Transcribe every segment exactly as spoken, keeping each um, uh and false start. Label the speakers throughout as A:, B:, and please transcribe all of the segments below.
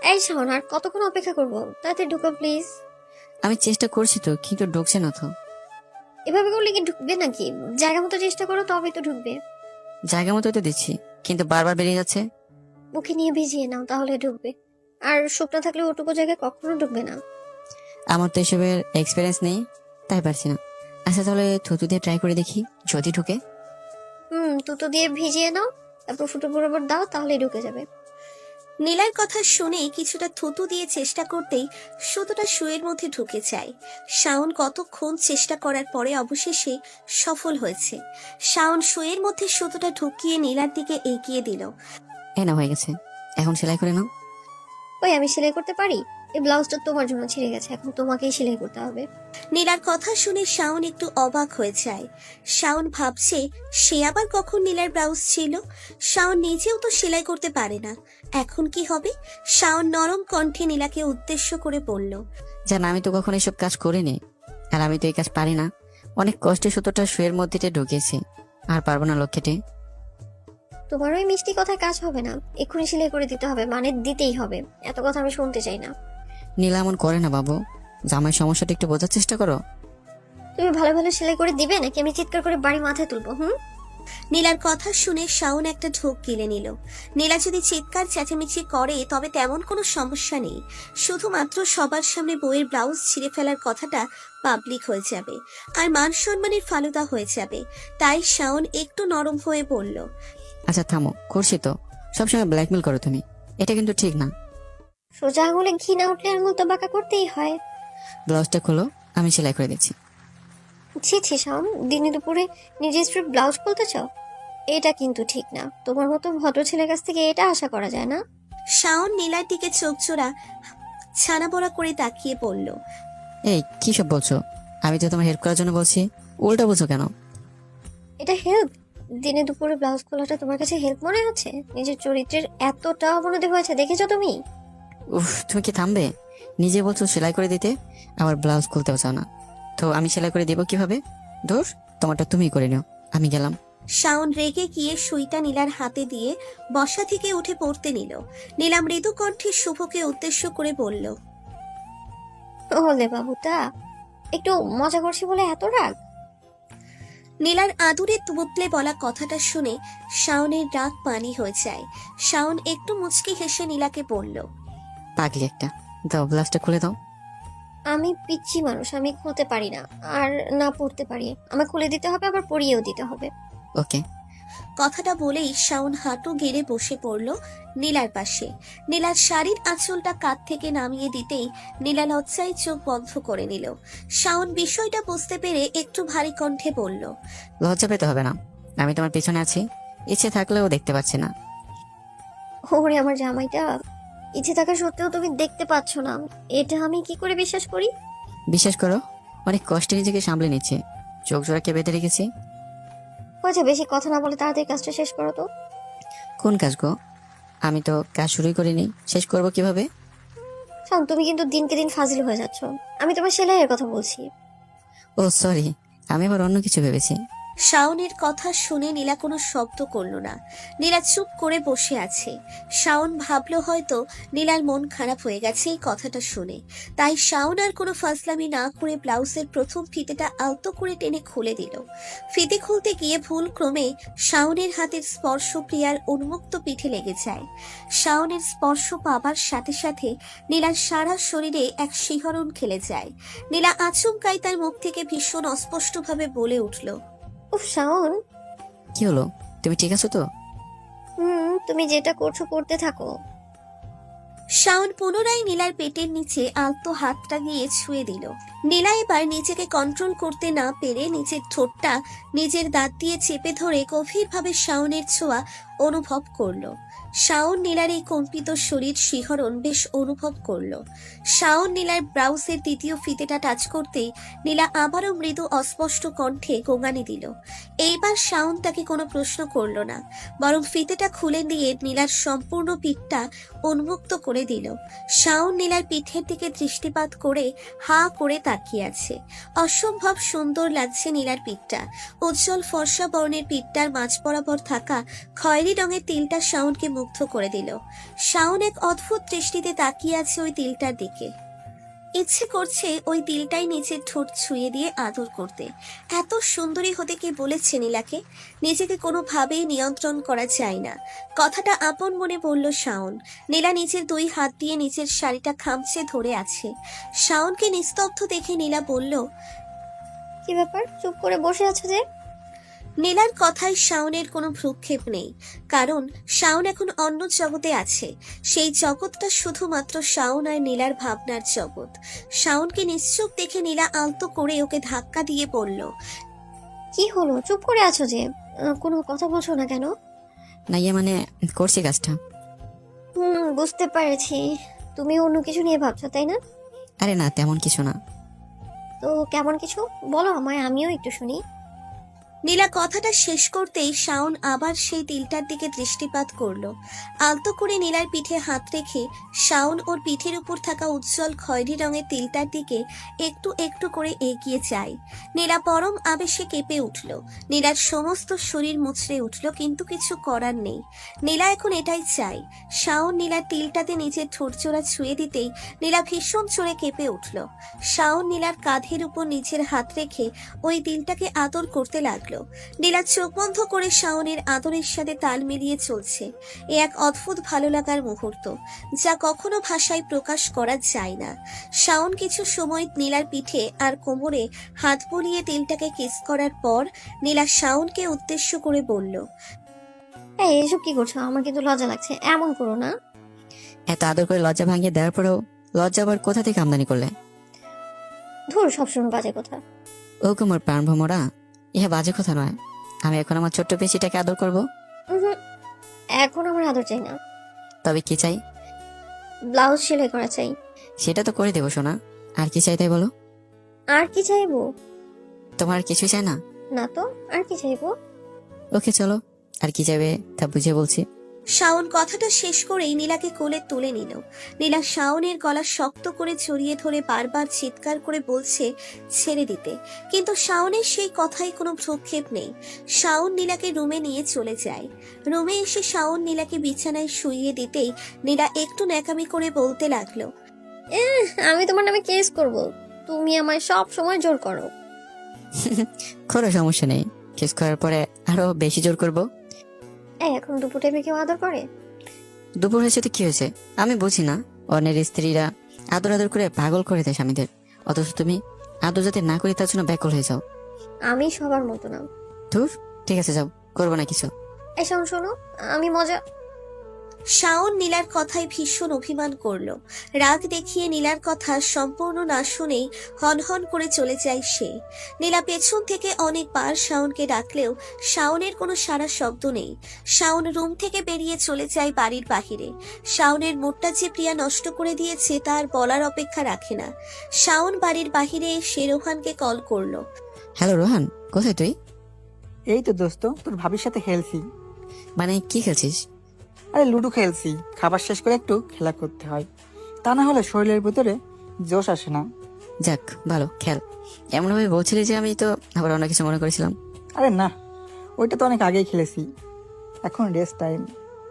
A: এই শাওন, আর কতক্ষণ অপেক্ষা করবো? তাড়াতাড়ি ঢুকো প্লিজ।
B: আমি চেষ্টা করছি তো, কিন্তু ঢুকছে না তো।
A: এভাবে করলে কি ঢুকবে নাকি? জায়গা মতো চেষ্টা করো, তবেই তো ঢুকবে।
B: জায়গা মতো তো দিচ্ছি, কিন্তু বারবার বেরিয়ে যাচ্ছে।
A: মুখে নিয়ে ভিজিয়ে নাও, তাহলে ঢুকবে। আর শুকনো থাকলে ওটুকু জায়গায় কখনো ঢুকবে না।
B: আমার তো এসবের এক্সপিরিয়েন্স নেই, তাই পারছি না। আচ্ছা তাহলে থুতু দিয়ে ট্রাই করে দেখি, যদি ঢুকে।
A: হুম, তুতো দিয়ে ভিজিয়ে নাও, তারপর ফুটো বরাবর দাও, তাহলেই ঢুকে যাবে।
C: নীলার কথা শুনে কিছুটা থুতু দিয়ে চেষ্টা করতেই সুতোটা শুয়ের মধ্যে ঢুকে যায়। শাওন কতক্ষণ চেষ্টা করার পরে অবশেষে সফল হয়েছে। শাওন শুয়ের মধ্যে সুতোটা ঢুকিয়ে নীলার দিকে এগিয়ে দিল।
B: এই না, হয়ে গেছে, এখন সেলাই করে নাও।
A: ওই, আমি সেলাই করতে পারি? এই ব্লাউজটা তোমার জন্য ছিঁড়ে গেছে, এখন তোমাকেই সেলাই করতে হবে।
C: নীলার কথা শুনে শাওন একটু অবাক হয়ে যায়। শাওন ভাবছে সে আবার কখন নীলার ব্লাউজ ছিল। শাওন নিজেও তো সেলাই করতে পারে না, এখন কি হবে? শাওন নরম কণ্ঠে নীলাকে উদ্দেশ্য করে বলল,
B: জান, আমি তো কখনো এসব কাজ করিনি, আর আমি তো এই কাজ পারি না। অনেক কষ্টে সুতোটা শুয়ের মধ্যে ঢুকিয়েছি, আর পারবো না লক্ষ্যেটে।
A: তোমার ওই মিষ্টি কথায় কাজ হবে না, এক্ষুনি সেলাই করে দিতে হবে, মানে দিতেই হবে। এত কথা আমি শুনতে চাই না।
B: নীলা এমন করে না বাবু, জামাই সমস্যাটা একটু বোঝার চেষ্টা করো।
A: তুমি ভালো ভালো সেলাই করে দিবে নাকি আমি চিৎকার করে বাড়ি মাথায় তুলবো? হুম।
C: নীলার কথা শুনে শাওন একটা ঢোক গিলে নিল। নীলা যদি চিৎকার চেঁচামেচি করে তবে তেমন কোনো সমস্যা নেই, শুধুমাত্র সবার সামনে বইয়ের ব্লাউজ ছিঁড়ে ফেলার কথাটা পাবলিক হয়ে যাবে, আর মান সম্মানের ফালুদা হয়ে যাবে। তাই শাওন একটু নরম হয়ে বলল,
B: আচ্ছা থামো, করছি তো। সবসময় ব্ল্যাকমেল করো তুমি, এটা কিন্তু ঠিক না।
A: সোজা আঙুলে ঘি না উঠলে আঙুল তো বাঁকা করতেই হয়।
B: ব্লাউজটা খোলো, আমি সেলাই করে দিচ্ছি।
A: ছি ছি শাওন, দিনে দুপুরে নিজের স্ত্রীর ব্লাউজ খুলতে চাও? এটা কিন্তু ঠিক না। তোমার মতো ভদ্র ছেলের কাছ থেকে এটা আশা করা যায় না।
C: শাওন নীলার দিকে চোখ জোড়া ছানা বড়া করে তাকিয়ে বলল,
B: এই কি সব বলছো? আমি তো তোমার হেল্প করার জন্য বলছি, উল্টা বলছো কেন?
A: এটা হেল্প? দিনে দুপুরে ব্লাউজ খোলাটা তোমার কাছে হেল্প মনে হচ্ছে? নিজের চরিত্রের এতটা অবনতি হয়েছে দেখেছো তুমি?
B: উফ, তুমি কি থামবে? নিজে বলছো সেলাই করে দিতে, আবার ব্লাউজ খুলতেও চাও না, তো আমি সেলাই করে দিব কিভাবে? ধর, তোমারটা তুমি করে নিও, আমি গেলাম।
C: শাওন রেগে গিয়ে সুইটা নীলার হাতে দিয়ে বসা থেকে উঠে পড়তে নিল। নীলা মৃদু কণ্ঠে শুভকে উদ্দেশ্য করে বলল,
A: ওলে বাবুটা, একটু মজা করছি বলে এত রাগ?
C: নীলার আদুরে তুবতলে বলা কথাটা শুনে শাওনের রাগ পানি হয়ে যায়। শাওন একটু মুচকি হেসে নীলাকে বলল,
B: পাগলি একটা, দাও ব্লাউজটা খুলে দাও।
A: আমি পিচ্ছি মানুষ, আমি খুলতে পারি না, আর না পড়তে পারি। আমার খুলে দিতে হবে, আবার পরিয়েও দিতে হবে।
B: ওকে।
C: কথাটা বলেই শাওন হাঁটু গেড়ে বসে পড়ল নীলার পাশে। নীলার শাড়ির আঁচলটা কাঁধ থেকে নামিয়ে দিতেই নীলা লজ্জায় চোখ বন্ধ করে নিল। শাওন বিষয়টা বুঝতে পেরে একটু ভারী কণ্ঠে বলল,
B: লজ্জা পেতে হবে না, আমি তোমার পিছনে আছি, ইচ্ছে থাকলেও দেখতে পাচ্ছি না।
A: ওরে আমার জামাইটা, ইচ্ছে থাকা সত্ত্বেও তুমি দেখতে পাচ্ছ না, এটা আমি কি করে বিশ্বাস করি?
B: বিশ্বাস করো, অনেক কষ্টে নিজেকে সামলে নিচ্ছে, চোখ জোড়াকে বেঁধে রেখেছি।
A: হয়েছে, বেশি কথা না বলে তাড়াতাড়ি কাজটা শেষ করো তো।
B: কোন কাজ গো? আমি তো কাজ শুরুই করিনি, শেষ করব কিভাবে?
A: শোন, তুমি কিন্তু দিনকে দিন ফাজিল হয়ে যাচ্ছ। আমি তোমার সেলাইয়ের কথা বলছি।
B: ও সরি, আমি আবার অন্য কিছু ভেবেছি।
C: শাওনের কথা শুনে নীলা কোনো শব্দ করল না। নীলা চুপ করে বসে আছে। শাওন ভাবলো হয়তো নীলার মন খারাপ হয়ে গেছে এই কথাটা শুনে, তাই শাওন আর কোনো ফাজলামি না করে ব্লাউজের প্রথম ফিতেটা আলতো করে টেনে খুলে দিল। ফিতে খুলতে গিয়ে ভুল ক্রমে শাওনের হাতের স্পর্শ প্রিয়ার উন্মুক্ত পিঠে লেগে যায়। শাওনের স্পর্শ পাবার সাথে সাথে নীলার সারা শরীরে এক শিহরণ খেলে যায়। নীলা আচমকাই তার মুখ থেকে ভীষণ অস্পষ্টভাবে বলে উঠল,
A: উফ শাওন।
B: কি হলো, তুমি ঠিক আছো তো?
A: হুম, তুমি যেটা করছো করতে থাকো।
C: শাওন পুনরায় নীলার পেটের নিচে আলতো হাতটা গিয়ে ছুঁয়ে দিল। নীলা এবার নিজেকে কন্ট্রোল করতে না পেরে নিজের ঠোঁটটা নিজের দাঁত দিয়ে চেপে ধরে গভীরভাবে শাওনের ছোঁয়া অনুভব করলো। শাওন নীলার এই কম্পিত শরীর শিহরণ বেশ অনুভব করলো। শাওন নীলার ব্লাউজের দ্বিতীয় ফিতেটা টাচ করতেই নীলা আবারও মৃদু অস্পষ্ট কণ্ঠে গোঙানি দিল। এইবার শাওন তাকে কোনো প্রশ্ন করলো না, বরং ফিতেটা খুলে দিয়ে নীলার সম্পূর্ণ পিঠটা উন্মুক্ত করে দিল। শাওন নীলার পিঠের দিকে দৃষ্টিপাত করে হা করে তাকিয়ে আছে। অসম্ভব সুন্দর লাগছে নীলার পিঠটা। উজ্জ্বল ফর্সা বর্ণের পিঠটার মাঝ বরাবর থাকা খয়েরি রঙের তিলটা শাওনকে মুগ্ধ করে দিল। শাওন এক অদ্ভুত দৃষ্টিতে তাকিয়ে আছে ওই তিলটার দিকে। ইচ্ছে করছে ওই তিলটাই নিচের ঠোঁট ছুঁয়ে দিয়ে আদর করতে। এত সুন্দরী হতে কে বলেছে নীলাকে? নিজেকে কোনোভাবেই নিয়ন্ত্রণ করা যায় না। কথাটা আপন মনে বলল শাওন। নীলা নিচের দুই হাত দিয়ে নিচের শাড়িটা খামচে ধরে আছে। শাওনকে নিস্তব্ধ দেখে নীলা বলল,
A: কি ব্যাপার, চুপ করে বসে আছো যে?
C: নীলার কথায় শাওনের কোনো ভ্রুক্ষেপ নেই, কারণ শাওন এখন অন্য জগতে আছে। সেই জগৎটা শুধুমাত্র শাওন আর নীলার ভাবনার জগৎ। শাওনকে নিশ্চুপ দেখে নীলা আলতো করে ওকে ধাক্কা দিয়ে বলল,
A: কি হলো, চুপ করে আছো যে? আহ, কোনো কথা বলছো না কেন?
B: না ইয়ে মানে করছি কাজটা।
A: হুম, বুঝতে পেরেছি। তুমি অন্য কিছু নিয়ে ভাবছো, তাই না?
B: আরে না, তেমন কিছু না।
A: তো কেমন কিছু বলো আমায়, আমিও একটু শুনি।
C: নীলা কথাটা শেষ করতেই শাওন আবার সেই তিলটার দিকে দৃষ্টিপাত করলো। আলতো করে নীলার পিঠে হাত রেখে শাওন ওর পিঠের উপর থাকা উজ্জ্বল খয়েরি রঙের তিলটার দিকে একটু একটু করে এগিয়ে যায়। নীলা পরম আবেশে কেঁপে উঠল। নীলার সমস্ত শরীর মুচড়ে উঠল, কিন্তু কিছু করার নেই। নীলা এখন এটাই চাই। শাওন নীলার তিলটাতে নিজের ঠোঁটজোড়া ছুঁয়ে দিতেই নীলা ভীষণ চড়ে কেঁপে উঠল। শাওন নীলার কাঁধের উপর নিজের হাত রেখে ওই তিলটাকে আদর করতে লাগলো। নীলা চোখ বন্ধ করে শাওনের আদরের সাথে তাল মিলিয়ে চলছে। এ এক অদ্ভুত ভালো লাগার মুহূর্ত, যা কখনো ভাষায় প্রকাশ করা যায় না। শাওন কিছু সময় নীলার পিঠে আর কোমরে হাত বুলিয়ে তিলটাকে কিস করার পর নীলা শাওনকে উদ্দেশ্য করে বলল,
A: এই এসব কি করছো? আমার কিন্তু লজ্জা লাগছে, এমন করো না।
B: এত আদর করে লজ্জা ভাঙিয়ে দেওয়ার পরেও লজ্জা আবার কোথা থেকে আমদানি করলে?
A: ধুর, সবসময় বাজে কথা।
B: ও কুমার প্রাণ ভ্রমরা, ইহা বাজে কথা নয়। আমি এখন আমার ছোট্ট পেশিটাকে আদর করব।
A: উহুম, এখন আমার আদর চাই না।
B: তবে কি চাই?
A: ব্লাউজ সেলাই করা চাই।
B: সেটা তো করে দেবো সোনা। আর কি চাই তাই বলো।
A: আর কি চাইবো?
B: তোমার আর কিছু চাই না?
A: না তো, আর কি চাইবো?
B: ওকে চলো, আর কি চাইবে তা বুঝে বলছি।
C: শাওন কথাটা শেষ করেই নীলাকে কোলে তুলে নিল। নীলা শাওনের গলা শক্ত করে জড়িয়ে ধরে বারবার চিৎকার করে বলছে ছেড়ে দিতে, কিন্তু শাওনের সেই কথায় কোনো ভ্রুক্ষেপ নেই। শাওন নীলাকে রুমে নিয়ে চলে যায়। রুমে এসে শাওন নীলাকে বিছানায় শুইয়ে দিতেই নীলা একটু ন্যাকামি করে বলতে লাগলো,
A: আমি তোমার নামে কেস করব। তুমি আমায় সব সময় জোর করো।
B: কোনো সমস্যা নেই, কিস করার পরে আরো বেশি জোর করব।
A: এই এখন দুপুর টাইমে কেউ আদর করে?
B: দুপুর হয়েছে তো কি হয়েছে? আমি বুঝি না, অন্যের স্ত্রীরা আদর আদর করে পাগল করে দেয় স্বামীদের, অথচ তুমি আদর যাতে না করি তার জন্য ব্যাকুল হয়ে যাও।
A: আমি সবার মতো না।
B: ধুর, ঠিক আছে যাও, করবো না কিছু।
A: এই শোনো শোনো, আমি মজা।
C: শাওন নীলার কথায় ভীষণ অভিমান করলো। রাগ দেখিয়ে নীলার কথা সম্পূর্ণ না শুনেই হনহন করে চলে যায় সে। নীলা পেছন থেকে অনেকবার শাওনকে ডাকলেও শাওনের কোনো সাড়া শব্দ নেই। শাওন রুম থেকে বেরিয়ে চলে যায় বাড়ির বাহিরে। শাওনের মুডটা যে প্রিয়া নষ্ট করে দিয়েছে তার বলার অপেক্ষা রাখে না। শাওন বাড়ির বাহিরে এসে রোহানকে কল করলো।
B: হ্যালো রোহান, কোথায় তুই?
D: এই তো দোস্ত, তোর ভাবির সাথে খেলছি।
B: মানে কি খেলছিস?
D: আরে লুডো খেলছি, খাবার শেষ করে একটু খেলা করতে হয়, তা না হলে শরীরের ভিতরে জোশ আসে না।
B: যাক ভালো, খেল। এমন ভাবে বলছিলি যে আমি তো আবার অন্য কিছু মনে করেছিলাম।
D: আরে না, ওইটা তো অনেক আগেই খেলেছি, এখন রেস্ট টাইম।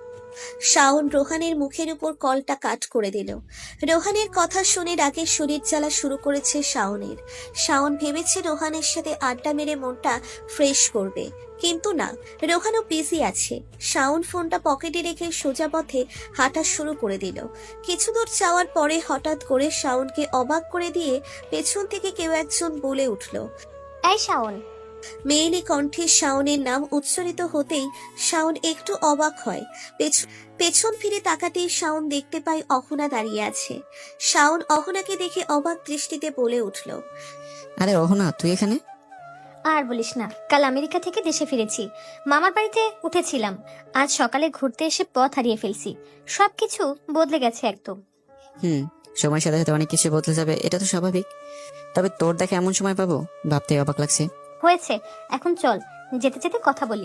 C: শাওন রোহানের মুখের উপর কলটা কাট করে দিল। রোহানের কথা শুনে রাগের শরীর জ্বালা শুরু করেছে শাওনের। শাওন ভেবেছে রোহানের সাথে আড্ডা মেরে মনটা ফ্রেশ করবে, কিন্তু না, রোহানও বিজি আছে। শাওন ফোনটা পকেটে রেখে সোজা পথে হাঁটা শুরু করে দিল। কিছু দূর যাওয়ার পরে হঠাৎ করে শাওনকে অবাক করে দিয়ে পেছন থেকে কেউ একজন বলে উঠল।
A: এই শাওন।
C: মেয়েলি কণ্ঠে শাওনের নাম উচ্চারিত হতেই শাওন একটু অবাক হয়। পেছ- পেছন ফিরে তাকাতেই শাওন দেখতে পায় অহনা দাঁড়িয়ে আছে। শাওন অহনাকে দেখে অবাক দৃষ্টিতে বলে উঠল,
B: আরে অহনা, তুই এখানে?
E: আর বলিস না, কাল আমেরিকা থেকে দেশে ফিরেছি। মামার বাড়িতে উঠেছিলাম, আজ সকালে ঘুরতে এসে পথ হারিয়ে ফেলছি। সবকিছু বদলে গেছে একদম।
B: হুম, সময়ের সাথে সাথে অনেক কিছু বদলে যাবে, এটা তো স্বাভাবিক। তবে তোর দেখে এমন সময় পাবো ভাবতে অবাক লাগছে।
E: হয়েছে, এখন চল, যেতে যেতে কথা বলি।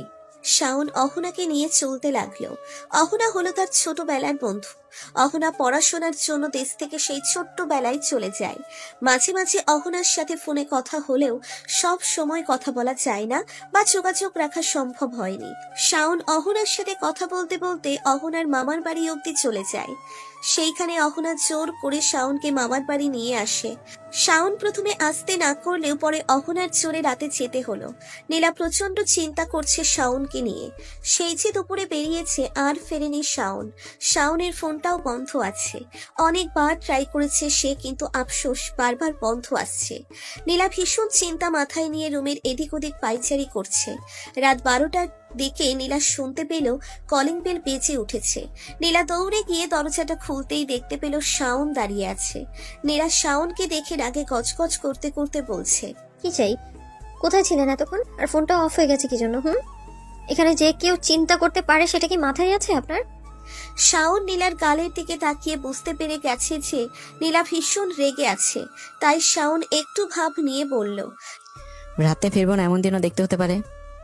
C: শাওন অহনাকে নিয়ে চলতে লাগলো। অহনা হলো তার ছোটবেলার বন্ধু। অহনা পড়াশোনার জন্য দেশ থেকে সেই ছোট্টবেলায় চলে যায়। মাঝে মাঝে অহনার সাথে ফোনে কথা হলেও সব সময় কথা বলা যায় না বা যোগাযোগ রাখা সম্ভব হয়নি। শাওন অহনার সাথে কথা বলতে বলতে অহনার মামার বাড়ি অবধি চলে যায়। সেইখানে অহনা জোর করে শাওনকে মামার বাড়ি নিয়ে আসে। শাওন প্রথমে আসতে না করলেও পরে অহনার জোরে রাতে যেতে হলো। নীলা প্রচন্ড চিন্তা করছে শাওনকে নিয়ে। সেই যে দুপুরে বেরিয়েছে আর ফেরেনি শাওন। শাওনের ফোনটাও বন্ধ আছে। অনেকবার ট্রাই করেছে সে, কিন্তু আফসোস বারবার বন্ধ আসছে। নীলা ভীষণ চিন্তা মাথায় নিয়ে রুমের এদিক ওদিক পাইচারি করছে। রাত বারোটার দিকে নীলা শুনতে পেল কলিং বেল বেজে উঠেছে। নীলা দৌড়ে গিয়ে দরজাটা খুলতেই দেখতে পেল শাওন দাঁড়িয়ে আছে। নীলা শাওনকে দেখে রাগে গজগজ করতে করতে বলছে,
A: কি চাই? কোথায় ছিলেন এতক্ষণ? আর ফোনটা অফ হয়ে গেছে কি জন্য? হুম, এখানে যে কেউ চিন্তা করতে পারে সেটা কি মাথায় আছে আপনার?
C: শাওন নীলার গালের দিকে তাকিয়ে বুঝতে পেরে গেছে যে নীলা ভীষণ রেগে আছে। তাই শাওন একটু ভাব নিয়ে বলল,
B: রাতে ফিরবো না এমন দিনও দেখতে হতে পারে।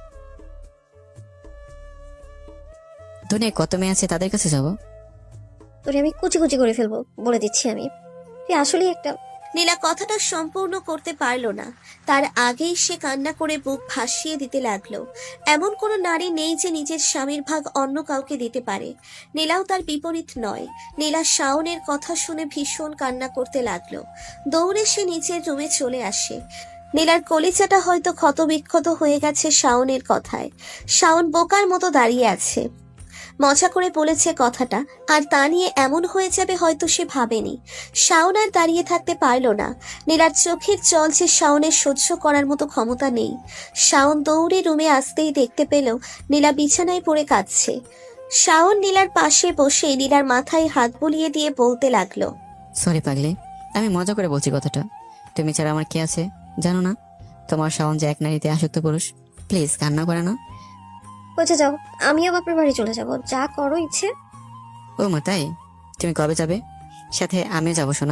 B: দুনিয়ায় কত মেয়ে আছে তাদের কাছে যাবো?
A: তোরে আমি কুচি কুচি করে ফেলবো, বলে দিচ্ছি আমি। তুই আসলেই একটা।
C: নীলা কথাটা সম্পূর্ণ করতে পারল না। তার আগেই সে কান্না করে বুক ভাসিয়ে দিতে লাগলো। এমন কোনো নারী নেই যে নিজের স্বামীর ভাগ অন্য কাউকে দিতে পারে। নীলাও তার বিপরীত নয়। নীলা শাওনের কথা শুনে ভীষণ কান্না করতে লাগলো। দৌড়ে সে নিচের রুমে চলে আসে। নীলার কলিজাটা হয়তো ক্ষতবিক্ষত হয়ে গেছে শাওনের কথায়। শাওন বোকার মতো দাঁড়িয়ে আছে। মজা করে বলেছে কথাটা, আর তা নিয়ে এমন হয়ে যাবে হয়তো সে ভাবেনি। শাওন আর দাঁড়িয়ে থাকতে পারল না। নীলার চোখের জল যে শাওনের সহ্য করার মতো ক্ষমতা নেই। শাওন দৌড়ে রুমে আসতেই দেখতে পেল নীলা বিছানায় পড়ে কাঁদছে। শাওন নীলার পাশে বসে নীলার মাথায় হাত বুলিয়ে দিয়ে বলতে লাগলো,
B: সরি পাগলি, আমি মজা করে বলছি কথাটা। তুমি ছাড়া আমার কে আছে জানো না? তোমার শাওন যে এক নারীতে আসক্ত পুরুষ। প্লিজ কান্না করে না।
A: বুঝে যাও, আমিও বাপের বাড়ি চলে যাব, যা করো ইচ্ছে।
B: ও মা তাই? তুমি কবে যাবে? সাথে আমিও যাবো শোনা।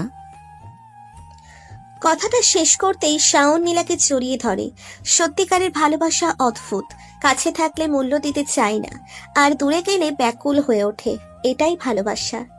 C: কথাটা শেষ করতেই শাওন নীলাকে জড়িয়ে ধরে। সত্যিকারের ভালোবাসা অদ্ভুত। কাছে থাকলে মূল্য দিতে চায় না, আর দূরে গেলে ব্যাকুল হয়ে ওঠে। এটাই ভালোবাসা।